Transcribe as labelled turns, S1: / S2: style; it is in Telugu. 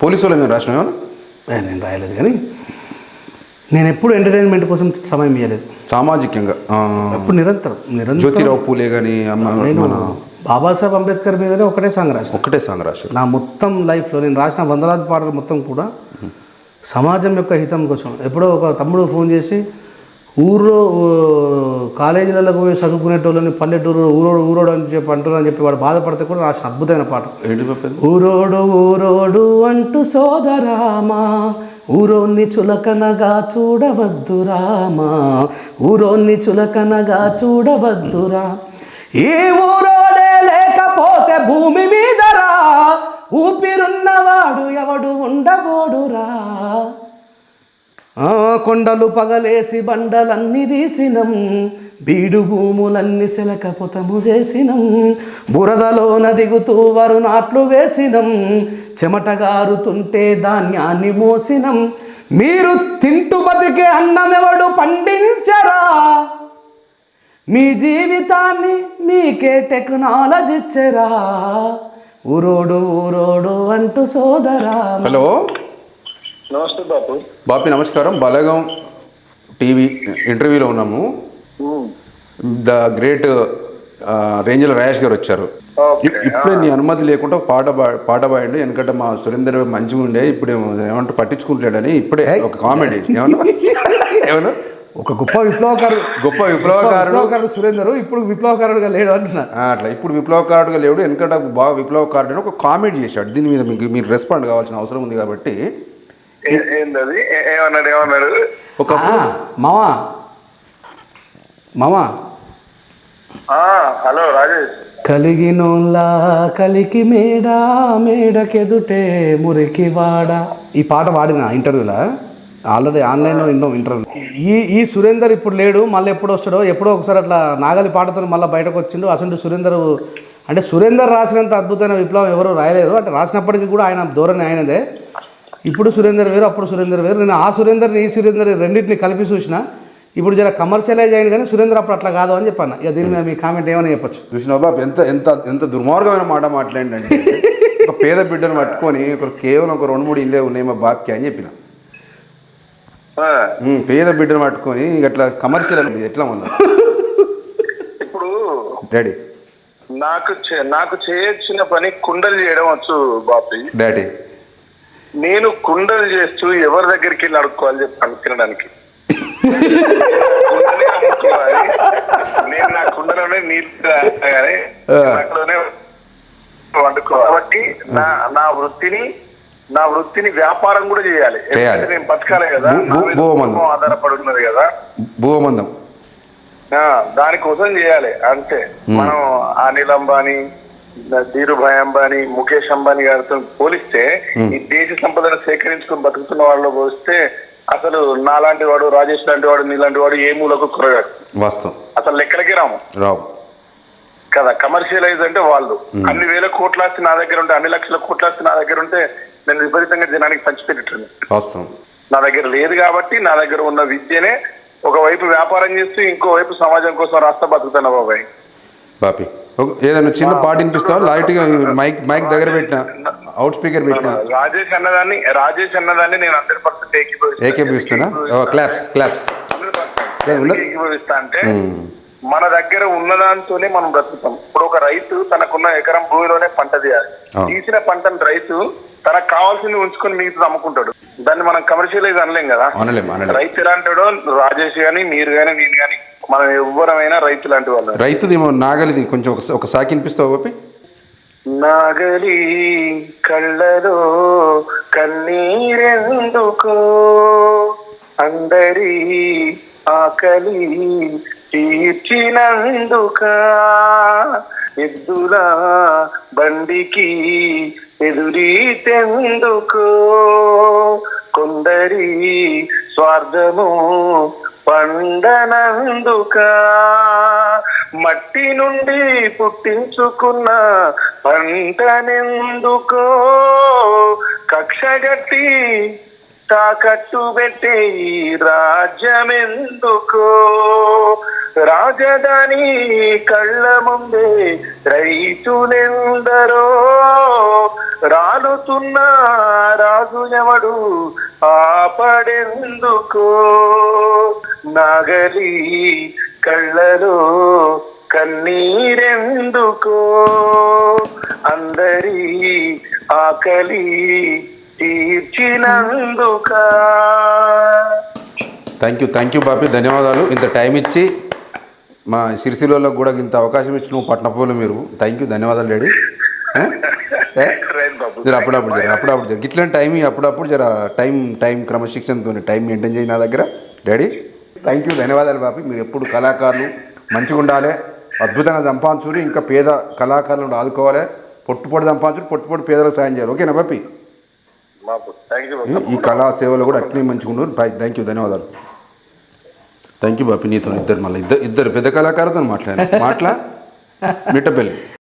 S1: పోలీసు వాళ్ళు మేము రాసినా
S2: నేను రాయలేదు, కానీ నేను ఎప్పుడు ఎంటర్టైన్మెంట్ కోసం సమయం ఇవ్వలేదు.
S1: సామాజికంగా
S2: ఎప్పుడు నిరంతరం
S1: జ్యోతిరావు పూలే కానీ
S2: నేను బాబాసాహెబ్ అంబేద్కర్ మీదనే ఒకటే సాంగ్
S1: రాశాను.
S2: నా మొత్తం లైఫ్లో నేను రాసిన వందలాది పాటలు మొత్తం కూడా సమాజం యొక్క హితం కోసం. ఎప్పుడో ఒక తమ్ముడు ఫోన్ చేసి ఊర్లో కాలేజీలకు పోయి చదువుకునేటోళ్ళని పల్లెటూరు ఊరోడు అని చెప్పి అంటున్నారని చెప్పి వాడు బాధపడితే కూడా రాసిన అద్భుతమైన పాట. ఊరోడు అంటూ సోదరామా, ఊరోన్ని చులకనగా చూడవద్దు రామా, ఊరోన్ని చులకనగా చూడవద్దురా, ఈ ఊరోడే లేకపోతే భూమి మీదరా, ఊపిరున్నవాడు ఎవడు ఉండబోడురా, కొండలు పగలేసి బండలన్నీ తీసినం, బీడు భూములన్నీ శిలకపోతము చేసినం, బురదలోన దిగుతూ వరు నాట్లు వేసినం, చెమటగారుతుంటే ధాన్యాన్ని మోసినం, మీరు తింటూ బతికే అన్నమెవడు పండించరా, మీ జీవితాన్ని మీకే టెక్నాలజీ ఇచ్చరా, ఊరోడు అంటూ సోదరా.
S1: హలో,
S3: నమస్తే బాపు.
S1: బాపి నమస్కారం. బలగం టీవీ ఇంటర్వ్యూలో ఉన్నాము. ద గ్రేట్ రేంజర్ రాయేష్ గారు వచ్చారు. ఇప్పుడే నీ అనుమతి లేకుండా పాట పాడండి, ఎందుకంటే మా సురేందర్ మంచిగా ఉండే, ఇప్పుడు ఏమంటారు పట్టించుకుంటాడని ఇప్పుడే ఒక కామెడీ ఏమన్నా
S2: ఒక గొప్ప విప్లవకారుడు సురేందర్ ఇప్పుడు విప్లవకారుడుగా లేడు అంటున్నా.
S1: అట్లా ఇప్పుడు విప్లవకారుడుగా లేడు, ఎందుకంటే బాగా విప్లవకారుడు అని ఒక కామెడీ చేశాడు. దీని మీద మీరు రెస్పాండ్ కావాల్సిన అవసరం ఉంది కాబట్టి.
S3: ఏమన్నాడు
S1: ఒక
S2: మామా
S3: హలో రాజేష్.
S2: కలిగినోళ్ళ కలికి మేడకెదుటే మురికి వాడ, ఈ పాట వాడిన ఇంటర్వ్యూలో, ఆల్రెడీ ఆన్లైన్లో ఇంటర్వ్యూ. ఈ సురేందర్ ఇప్పుడు లేడు, మళ్ళీ ఎప్పుడు వస్తాడో, ఎప్పుడో ఒకసారి అట్లా నాగలి పాటతో మళ్ళీ బయటకు వచ్చిండు. అసలు సురేందర్ రాసినంత అద్భుతమైన విప్లవం ఎవరు రాయలేరు. అంటే రాసినప్పటికీ కూడా ఆయన ధోరణి ఆయనదే. ఇప్పుడు సురేందర్ వేరు, అప్పుడు సురేందర్ వేరు. నేను ఆ సురేందర్ని ఈ సురేందర్ రెండింటిని కలిపి చూసిన. ఇప్పుడు జర కమర్షియలైజ్ అయింది, కానీ సురేందర్ అప్పుడు అట్లా కాదు అని చెప్పాను. ఇక దీని మీద మీ కామెంట్ ఏమైనా చెప్పచ్చు.
S1: చూసినా బాబు ఎంత ఎంత ఎంత దుర్మార్గమైన మాట మాట్లాడండి. ఒక పేద బిడ్డను పట్టుకొని కేవలం ఒక 2-3 ఇల్లే ఉన్నాయి మా బాబ్కి అని చెప్పిన. పేద బిడ్డను పట్టుకొని అట్లా కమర్షియల్ ఎట్లా ఉన్నా
S3: ఇప్పుడు
S1: డాడీ
S3: నాకు చేయొచ్చిన పని కుండలు చేయడం వచ్చు బాపి.
S1: డాడీ
S3: నేను కుండలు చేస్తూ ఎవరి దగ్గరికి వెళ్ళి అడుక్కోవాలి చెప్పి తినడానికి. నేను నా కుండలోనే నీళ్ళు అక్కడనే వండుకోవాలి. కాబట్టి నా వృత్తిని వ్యాపారం కూడా చేయాలి. నేను బతకాలి కదా, ఆధారపడి ఉన్నది కదా,
S1: భూమందం
S3: దానికోసం చేయాలి అంతే. మనం అనిల్ అంబానీ, ధీరుభాయ్ అంబానీ, ముఖేష్ అంబానీ గారితో పోలిస్తే ఈ దేశ సంపదను సేకరించుకుని బతుకుతున్న వాళ్ళలో పోలిస్తే అసలు నాలాంటి వాడు, రాజేష్ లాంటి వాడు, నీలాంటి వాడు ఏ మూలకు కురగాడు.
S1: వాస్తవం.
S3: అసలు లెక్కలకి రావు కదా. కమర్షియలైజ్ అంటే వాళ్ళు అన్ని వేల కోట్లాస్తి నా దగ్గర ఉంటే, అన్ని లక్షల కోట్లాస్తి నా దగ్గర ఉంటే నేను విపరీతంగా జనానికి పంచిపెట్టాను.
S1: వాస్తవం.
S3: నా దగ్గర లేదు కాబట్టి నా దగ్గర ఉన్న విద్యనే ఒకవైపు వ్యాపారం చేస్తూ ఇంకోవైపు సమాజం కోసం రాస్తా బతుకుతున్నా బాబాయ్.
S1: బాపి ఏదైనా చిన్న పాట వినిపిస్తావా? లైట్గా మైక్ దగ్గర పెట్టిన, అవుట్ స్పీకర్ పెట్టిన.
S3: రాజేష్ అన్నదాన్ని నేను 100%
S1: ఏకీభవిస్తున్నా. క్లాప్స్
S3: ఏకీభవిస్తా. అంటే మన దగ్గర ఉన్నదాంతోనే మనం బ్రతుకుతాం. ఇప్పుడు ఒక రైతు తనకున్న ఎకరం భూమిలోనే పంట తీయాలి. తీసిన పంటను రైతు తనకు కావాల్సింది ఉంచుకొని మిగతా అమ్ముకుంటాడు. దాన్ని మనం కమర్షియలైజ్ అనలేం కదా. రైతు ఎలాంటాడో రాజేష్ గాని, మీరు గాని, నేను గాని, మనం ఎవ్వరమైనా రైతు లాంటి వాళ్ళు.
S1: రైతుది నాగలిది కొంచెం ఒక సాకి వినిపిస్తావు బాపి?
S3: నాగలి కళ్ళలో కన్నీరెందుకో, అందరి ఆకలి తీర్చినందుక, ఎద్దుల బండికి ఎదురీతెందుకో, కొందరి స్వార్థము పండనందుక, మట్టి నుండి పుట్టించుకున్న పంటనెందుకో, కక్షగట్టి తాకట్టు పెట్టే ఈ రాజ్యమెందుకో, రాజధాని కళ్ళ ముందే రైతులెందరో, రాలుతున్న రాజు ఎవడు ఆపడెందుకో, నాగలి కళ్ళలో కన్నీరెందుకో, అందరి ఆకలి తీర్చినందుక.
S1: థ్యాంక్ యూ బాపి, ధన్యవాదాలు. ఇంత టైం ఇచ్చి మా సిరిసిల్లలో కూడా ఇంత అవకాశం ఇచ్చి నువ్వు పట్నపోలు మీరు. థ్యాంక్ యూ, ధన్యవాదాలు డాడీ. జర అప్పుడప్పుడు జర ఇట్లాంటి టైం అప్పుడప్పుడు జర టైం క్రమశిక్షణతో టైం మెయింటైన్ చేయి నా దగ్గర డాడీ. థ్యాంక్ యూ, ధన్యవాదాలు బాపి. మీరు ఎప్పుడు కళాకారులు మంచిగా ఉండాలి, అద్భుతంగా సంపాదించుకుని ఇంకా పేద కళాకారులను ఆదుకోవాలి, పొట్టుపొడి సంపాదించుకుని పొట్టుపొడి పేదలకు సాయం చేయాలి. ఓకేనా బాపి? ఈ కళా సేవలు కూడా అట్లనే మంచిగా ఉండరు. థ్యాంక్ యూ, ధన్యవాదాలు. Thank you Bapi. నీతో ఇద్దరు మళ్ళీ ఇద్దరు పెద్ద కళాకారులతో మిట్టపల్లి.